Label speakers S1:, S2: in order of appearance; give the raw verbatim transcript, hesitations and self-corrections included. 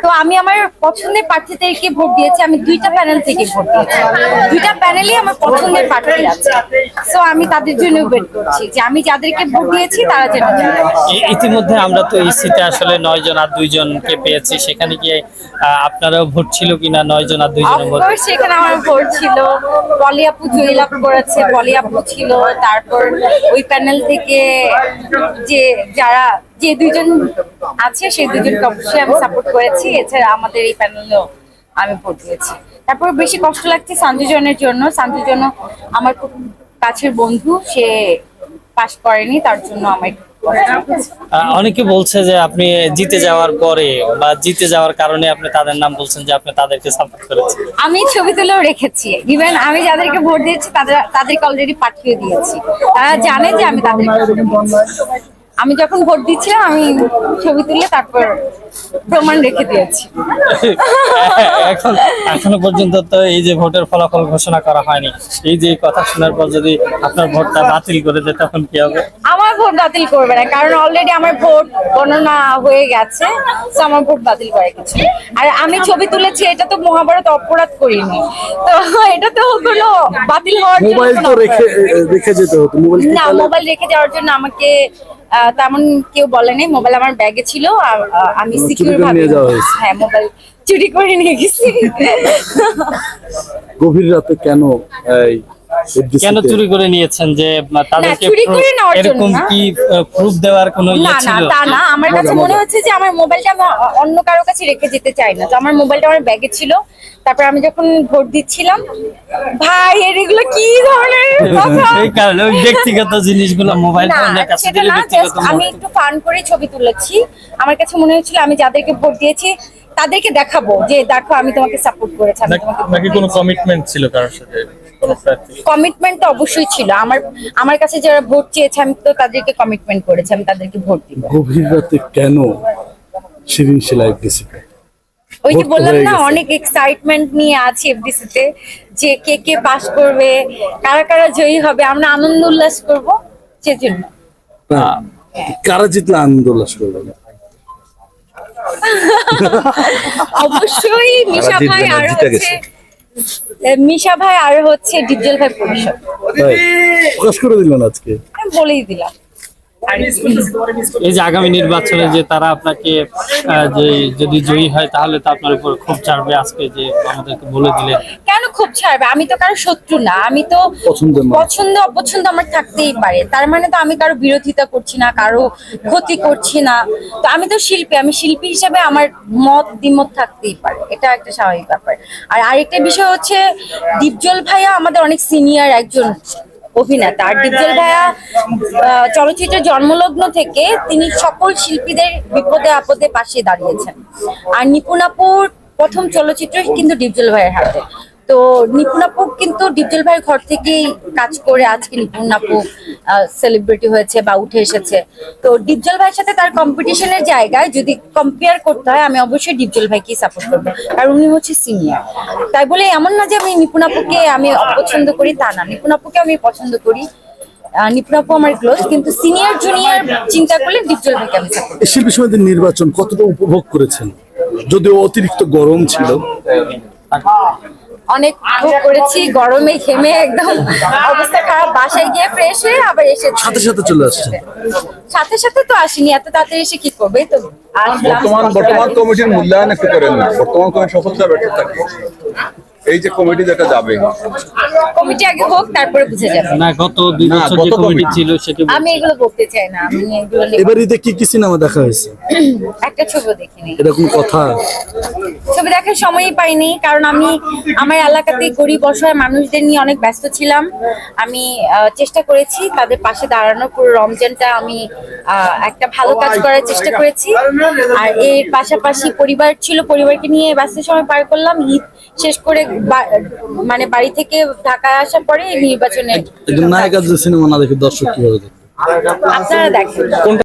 S1: তো আমি আমার পছন্দের প্রার্থীদেরকে ভোট দিয়েছি। আমি দুইটা প্যানেল থেকে ভোট দিয়েছি, দুইটা প্যানেলই আমার পছন্দের প্রার্থী আছে। সো আমি তাদের জন্য ওয়েট করছি যে আমি যাদেরকে ভোট দিয়েছি তারা যেন যায়।
S2: ই- ইতিমধ্যে আমরা তো ইসিতে আসলে নয় জন আর দুইজনকে পেয়েছি, সেখানে গিয়ে আহ, আপনারাও ভোট ছিল কিনা নয় জন আর দুইজনের মধ্যে?
S1: অফকোর্স সেখানে আমার ভোট ছিল, পলি আপু জয়লাভ করেছে, পলি আপু ছিল। তারপর ওই প্যানেল থেকে যে যারা যে দুইজন আছে সেই দুজনকে অবশ্যই আমি সাপোর্ট করেছি। এছাড়া আমাদের এই প্যানেলেও আমি ভোট দিয়েছি। তারপর বেশি কষ্ট লাগছে সঞ্জুজনের জন্য। সঞ্জুজন আমার খুব কাছের বন্ধু, সে পাশ করেনি, তার জন্য আমার একটু কষ্ট লাগছে।
S2: আহ, অনেকে বলছে যে আপনি জিতে যাওয়ার পরে বা জিতে যাওয়ার কারণে আপনি তাদের নাম বলছেন যে আপনি তাদেরকে সাপোর্ট করেছেন।
S1: আমি ছবি তুলেও রেখেছি, ইভেন আমি যাদেরকে ভোট দিয়েছি তাদের তাদেরকে অলরেডি পাঠিয়ে দিয়েছি। তারা জানে যে আমি তাদেরকে ভোট দিয়েছি। আমি যখন ভোট দিচ্ছিলাম আমি ছবি তুলে তারপর প্রমাণ রেখে দিয়েছি।
S2: এখন এখনো পর্যন্ত তো এই যে ভোটের ফলাফল ঘোষণা করা হয়নি, এই যে কথা শোনার পর যদি আপনার ভোটটা বাতিল করে দেয় তখন কি হবে?
S1: আমার ভোট বাতিল করবে না, কারণ অলরেডি আমার ভোট গণনা হয়ে গেছে। তো আমার ভোট বাতিল করে কিছু না। আর আমি ছবি তুলেছি, এটা তো মহাভারত অপরাধ করিনি, তো এটা তো কোনো বাতিল হওয়ার জন্য
S3: মোবাইল
S1: কোনো
S3: তো
S1: অপরাধ।
S3: রেখে রেখে যেতে হতো, মোবাইল কি
S1: না,
S3: তাহলে-
S1: মোবাইল রেখে যাওয়ার জন্য আমাকে আহ, তেমন কেউ বলে নাই। মোবাইল আমার ব্যাগে ছিল আর আহ, আমি
S3: চুরি
S1: সিকিউর
S3: করে
S1: ভাবে,
S3: নিয়ে যাওয়া হয়েছে।
S1: হ্যাঁ, মোবাইল চুরি করে নিয়ে গেছি।
S3: গভীর রাতে কেন এই
S2: কেন চুরি করে নিয়েছেন? যে আহ, তাদেরকে
S1: চুরি করে
S2: proof-
S1: নেওয়ার জন্য
S2: এরকম
S1: না।
S2: কি প্রুফ দেওয়ার কোনো
S1: না
S2: ইয়ে
S1: না,
S2: ছিল?
S1: তা না। আমার কাছে
S3: মজা,
S1: মনে
S3: মজা।
S1: হচ্ছে যে আমার মোবাইলটা আমি অ- অন্য কারো কাছে রেখে যেতে চাই না। তো আমার মোবাইলটা আমার ব্যাগে ছিল। তারপর আমি যখন ভোট দিচ্ছিলাম, ভাই এর এগুলো কি ধরনের কথা?
S2: এই কারণে ওই ব্যক্তিগত জিনিসগুলো মোবাইল
S1: না,
S2: ফোনের কাছে
S1: সেটা
S2: দিলে
S1: না,
S2: ব্যক্তিগত
S1: just আমি
S2: মত-
S1: একটু ফান করে ছবি তুলেছি। আমার কাছে মনে হচ্ছিল আমি যাদেরকে ভোট দিয়েছি তাদেরকে দেখাবো যে দেখো আমি তোমাকে সাপোর্ট করেছি, আমি তোমাকে
S4: নাকি কোনো কমিটমেন্ট ছিল কারোর সাথে কোনো প্রার্থী?
S1: কমিটমেন্ট তো অবশ্যই ছিল। আমার আমার কাছে যারা ভোট চেয়েছে আমি তো তাদেরকে কমিটমেন্ট করেছি আমি তাদেরকে ভোট দিব।
S3: গভীর রাতে কেন শিরিন সেলাই এফডিসিতে?
S1: ওই যে
S3: ভোট তো
S1: বললাম
S3: হয়ে
S1: না,
S3: গেছে।
S1: অনেক এক্সাইটমেন্ট নিয়ে আছি এফডিসি তে, যে কে কে পাস করবে, কারা কারা জয়ী হবে, আমরা আনন্দ উল্লাস করব সেজন্য।
S3: না, কারা জিতলে আনন্দ উল্লাস করবেন?
S1: অবশ্যই মিশা
S3: জিতবে
S1: ভাই
S3: না,
S1: আর
S3: জিতে
S1: হচ্ছে
S3: গেছে।
S1: মিশা ভাই আর হচ্ছে ডিপজল ভাই পরিষদ,
S3: ভাই, প্রকাশ করে দিলেন আজকে।
S1: আমি বলেই দিলাম। আর কি?
S2: এই যে আগামী নির্বাচনে যে তারা আপনাকে আহ, যে যদি জয়ী হয় তাহলে তো আপনার উপর খুব চাপবে, আজকে যে আমাদেরকে বলে দিলেন।
S1: কেন খুব ছাড়বে? আমি তো কারো শত্রু না, আমি তো
S3: পছন্দের মানুষ।
S1: পছন্দ অপছন্দ আমার থাকতেই পারে। তার মানে তো আমি কারো বিরোধিতা করছি না, কারো ক্ষতি করছি না। তো আমি তো শিল্পী, আমি শিল্পী হিসেবে আমার মত দ্বিমত থাকতেই পারে, এটা একটা স্বাভাবিক ব্যাপার। আর আরেকটা বিষয় হচ্ছে ডিপজল ভাইয়া আমাদের অনেক সিনিয়র একজন অভিনেতা। আর ডিপজল ভাইয়া আহ, চলচ্চিত্রের জন্মলগ্ন থেকে তিনি সকল শিল্পীদের বিপদে আপদে পাশে দাঁড়িয়েছেন। আর নিপুণ আপুর প্রথম চলচ্চিত্র কিন্তু ডিপজল ভাইয়ের হাতে। তো নিপুণ আপু কিন্তু ডিপজল ভাইয়ের ঘর থেকেই কাজ করে আজকে নিপুণ আপু সেলিব্রিটি হয়েছে বা উঠে এসেছে। তো ডিপজল ভাইয়ের সাথে তার কম্পিটিশনের জায়গায় যদি কম্পেয়ার করতে হয় আমি অবশ্যই ডিপজল ভাইকেই সাপোর্ট করবো, কারণ উনি হচ্ছে সিনিয়র। তাই বলে এমন না যে আমি নিপুণ আপুকে আমি অপছন্দ করি, তা না, নিপুণ আপুকে আমি পছন্দ করি। আহ, নিপুণ আপু আমার ক্লোজ, কিন্তু সিনিয়র জুনিয়র চিন্তা করলে ডিপজল ভাইকে আমি সাপোর্ট।
S3: এই শিল্পী সমিতির নির্বাচন কতটা উপভোগ করেছেন? যদিও অতিরিক্ত গরম ছিল।
S1: অনেক ভোগ করেছি, গরমে ঘেমে একদম অবস্থা খারাপ। বাসায় গিয়ে ফ্রেশ হয়ে আবার এসে
S3: সাথে সাথে চলে আসছেন।
S1: সাথে সাথে তো আসিনি, এত তাড়াতাড়ি এসে কি করবে? তো আসলাম।
S5: বর্তমান বর্তমান কমিটির মূল্যায়ন একটু করেন না, বর্তমান কমিটি সফলতা ব্যর্থতা কি? এই যে কমিটি যেটা যাবে,
S1: কমিটি আগে হোক, তারপরে বুঝে যাবে।
S2: না, গত দুই
S5: না,
S2: বছর যে
S5: গত
S2: কমিটি
S5: কমিটি।
S2: ছিল সেটি
S1: আমি এগুলো বলতে চাই না, আমি এগুলো নিয়ে
S3: এবার ঈদে কি কি সিনেমা দেখা হয়েছে?
S1: একটা ছবি দেখিনি।
S3: এরকম কথা।
S1: ছবি দেখার সময়ই পাইনি, কারণ আমি আমার এলাকাতে গরিব অসহায় মানুষদের নিয়ে অনেক ব্যস্ত ছিলাম। আমি আহ, চেষ্টা করেছি তাদের পাশে দাঁড়ানোর। পুরো রমজানটা আমি আহ, একটা ভালো কাজ করার চেষ্টা করেছি। আর এর পাশাপাশি পরিবার ছিল, পরিবারকে নিয়ে ব্যস্ত সময় পার করলাম। ঈদ শেষ করে বা- মানে বাড়ি থেকে ঢাকায় আসার পরে নির্বাচনে
S3: একজন নায়িকার যে সিনেমা না দেখে দর্শক কিভাবে দেখবে?
S1: আপনারা দেখেন।